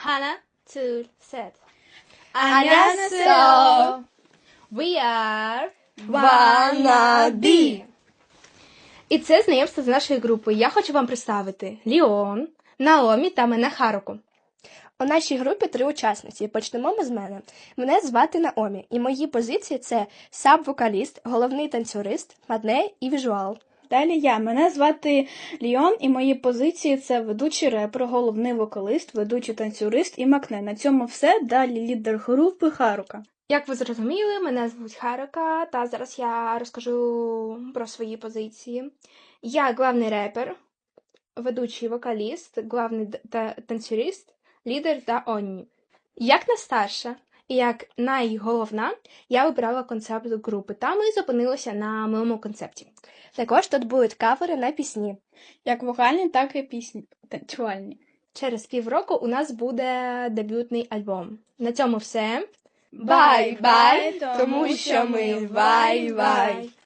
하나, 둘, 셋. 안녕하세요. We are Wannabe. І це знайомство з нашою групою. Я хочу вам представити Ліон, Наомі та мене Харуку. У нашій групі 3 учасниці. Почнемо ми з мене. Мене звати Наомі, і мої позиції – це саб-вокаліст, головний танцюрист, мадне і візуал. Далі мене звати Ліон, і мої позиції – це ведучий репер, головний вокалист, ведучий танцюрист і макне. На цьому все. Далі лідер групи Харука. Як ви зрозуміли, мене звуть Харука, та зараз я розкажу про свої позиції. Я главний репер, ведучий вокаліст, главний танцюрист, лідер та Онні. Як найстарша і як найголовна, я обирала концепт групи, та ми зупинилися на моєму концепті. Також тут будуть кавери на пісні. Як вокальні, так і пісні танцювальні. Через півроку у нас буде дебютний альбом. На цьому все. Бай-бай, тому що ми вай-вай.